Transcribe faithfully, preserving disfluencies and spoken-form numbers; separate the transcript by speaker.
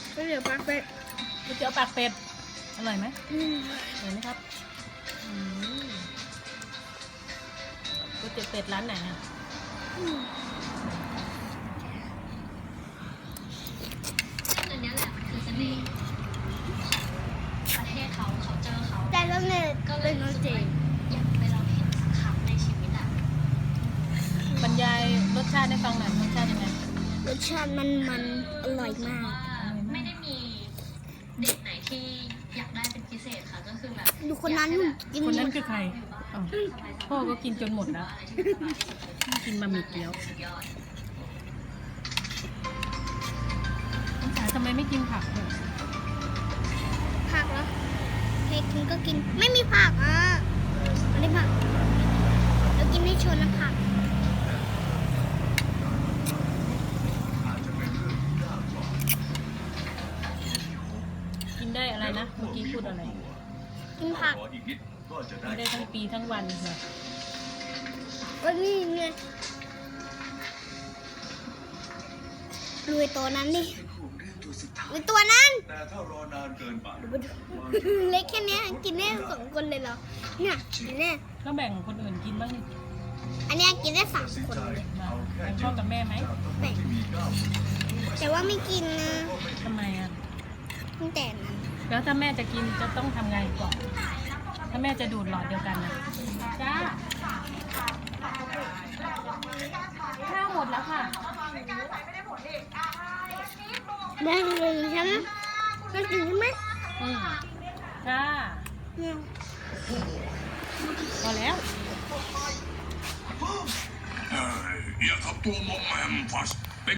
Speaker 1: ก๋วยเตี๋ยวปากเป็ด
Speaker 2: ก๋วยเตี๋ยวปากเป็ดอร่อยไหม
Speaker 1: อืม
Speaker 2: อร่อยไหมครับอืมก๋วยเตี๋ยวเป็ดร้านไหนอ่ะ
Speaker 1: อืม
Speaker 3: ซึ่งอันเนี้ยแหละมันคือเสน่ห์ประเทศเขาเขาเจอเขา
Speaker 1: แต่แล้วเนี่ย
Speaker 3: ก็เล
Speaker 1: เป็
Speaker 3: ย
Speaker 1: นโน
Speaker 3: รู้สึก
Speaker 1: เจ
Speaker 3: ว่าอยากไปลองเห็นสักครั้งในชีวิตอ่ะ
Speaker 2: บรรยายรสชาติให้ฟังหน่อยรสชาติยังไง
Speaker 1: รสชาติมันมันอร่อยมาก
Speaker 3: ว่าไม่ได้มีเด็กไหนที่อยากได้เป็นพิเศษค่ะก็คือแบบ
Speaker 1: ดูคนนั้นกิน
Speaker 2: คนนั้น
Speaker 1: หมด
Speaker 2: คือใครอ้าวพ่อก็กินจนหมดแล้วกินบะหมี่เกี๊ยวน้องจ๋าทำไมไม่กินผักเลย
Speaker 1: ผักเหรอใครกินก็กินไม่มีผักอ่ะไม่ได้ผักเรากินให้ชนนะผัก
Speaker 2: กินได้อะไรนะเมื่อกี้พูดอะไร
Speaker 1: กินผัก
Speaker 2: กินได้ทั้งปีทั้งวันเหรอ
Speaker 1: ก็นี่ไงดูไอ้ตัวนั้นดิไอ้ตัวนั้น
Speaker 4: แต่ถ้ารอนานเกินไป
Speaker 1: เล็กแค่เนี้ยกินได้สองคนเลยเหรอเนี่ยกินได้
Speaker 2: ก็แบ่งคนอื่นกินบ้างนี่
Speaker 1: อันเนี้ยกินได้สามคนเลย
Speaker 2: มาแบ่งพ่อกับแม่ไหม
Speaker 1: แบ่งแต่ว่าไม่กินนะ
Speaker 2: ทำไมอ่ะ
Speaker 1: ตั้งแต่นั้น
Speaker 2: แล้วถ้าแม่จะกินจะต้องทำไงก่อนถ้าแม่จะดูดหลอดเดียวกันนะจ้าข้าวหมดแล้วค่ะ
Speaker 1: ได้เลยใช่ไหมมันกินใช่ไหม
Speaker 2: อืมจ้า
Speaker 1: เนี่ย
Speaker 2: พอแล้ว
Speaker 4: เอ้ยอย่าทำตัวมอมแมมฟัส